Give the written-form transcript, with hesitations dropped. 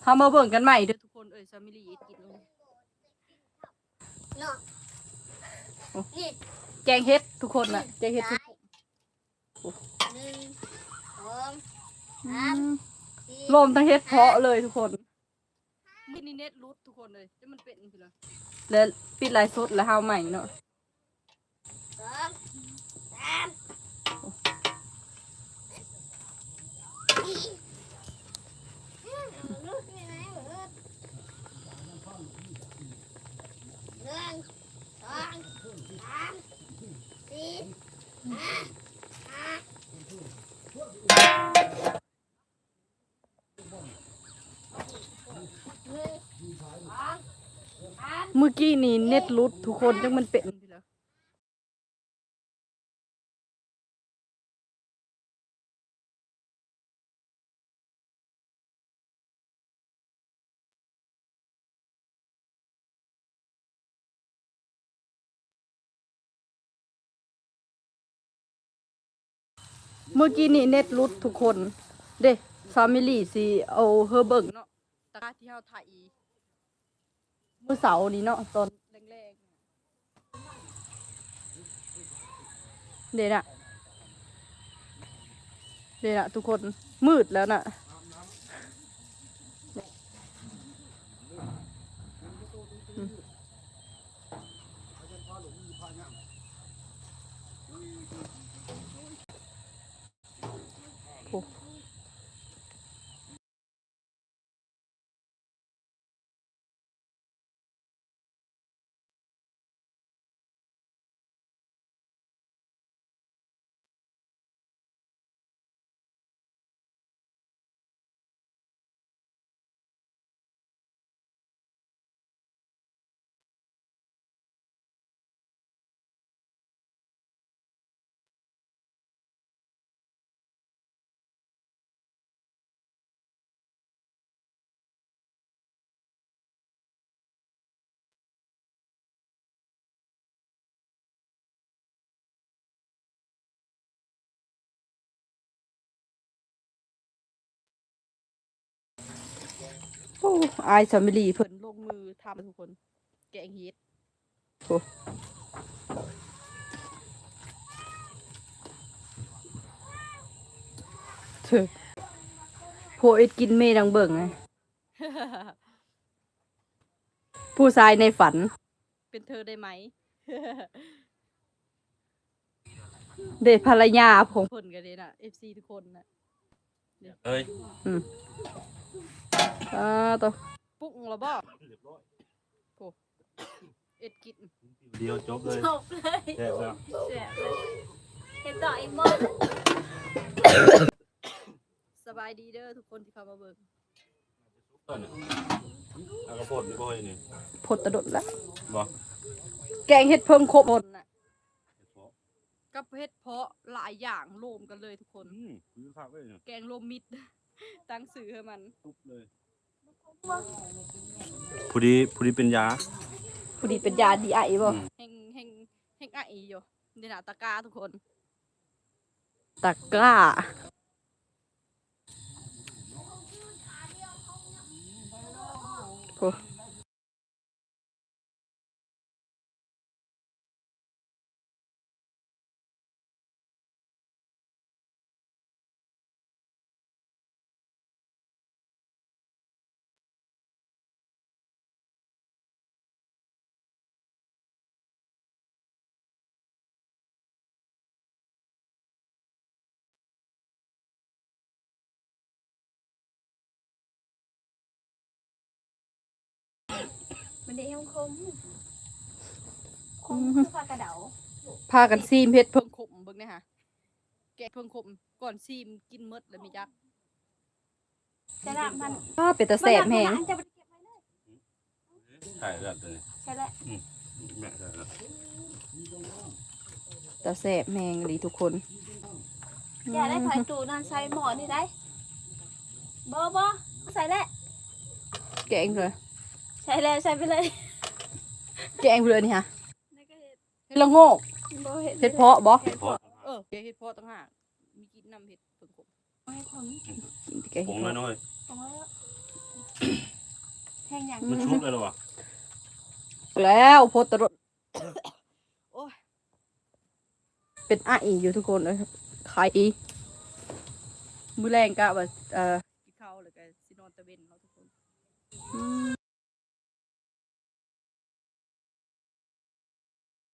เฮามาเบิ่งกันใหม่เด้อทุกคนซามิลี่กินเลยแกงเฮ็ดทุกคนน่ะแกงเฮ็ดทุกคนรวมทั้งเฮ็ดเพาะเลยทุกคนนี่เน็ตรูททุกคนเลยจะมันเป็นสิล่ะแล้วปิดไลฟ์สดแล้วเฮาใหม่เนาะเมื่อกี้นี่เน็ตรูททุกคนจังมันเป็นสิล่ะเมื่อกี้นี่เน็ตรูททุกคนเด้ฟามิลี่สิเอาเฮอเบิ่งเนาะตะที่เฮาถ่ายมื้อเสาร์นี้เนาะตอนแรกๆเด้น่ะทุกคนมืดแล้วน่ะโอ้อายฟามิลี่เพิ่นลงมือทำทุกคนแกงเฮ็ดโอ้เธอโพเอ็ดกินเมดังเบิ่งไง ผู้ชายในฝันเป็นเธอได้ไหม เดทภรรยาของเพิ่นกันเลยน่ะ FC ทุกคนน่ะเอ้ยตัวปุ๊กแล้วบ่โอ้เอ็ดกินเดียวจบเลยแซ่บแล้วเห็นต่ออีกหมดสบายดีเด้อทุกคนที่เข้ามาเบิ่งเอากระโพดบ่อยนี่พดตะดดแล้วบ่แกงเฮ็ดเพิ่งครบหมดน่ะกับเฮ็ดเพาะหลายอย่างรวมกันเลยทุกคนคือคักเว้ยแกงรวมมิตรตั้งชื่อให้มันตุ๊บเลยผู้ดีเป็นยาผู้ดีเป็นยาดีไอบ่แห่งไออยู่นี่น่ะตะกร้าทุกคนตะกร้าโอ้มันได้ยังคมพากระเดาพากันซีมเฮ็ดเพิ่งขมเบิ่งนี่ฮะแกะเพิ่งขมก่อนซีมกินหมดแล้วมีจักจะละมันเป็นตะแซ่บแฮงใช่แล้วตัวนี้ใช่แล้วแม่ใช่แล้วตะแซ่บแฮงเลยทุกคนอย่าได้ไผ่ตูนั่นใส่หม้อนี่ได้บ่ใส่แล้วแกงเลยใส่แล้วใส่ไปเลยแกงเลยนี่ฮะเฮ็ดละโงกเฮ็ดเพาะบ่เฮ็ดเพาะต่างหากมีกินน้ำเฮ็ดเพิ่งขมให้ผมกินแกงผงน้อยแทงอย่างมันชุบเลยเหรอวะแล้วโพสต์ตรดโอ้ยเป็นไออยู่ทุกคนเลยขายอีมื้อแรงกะว่ากินข้าวแล้วก็สินอนตะเวนเนาะทุกคน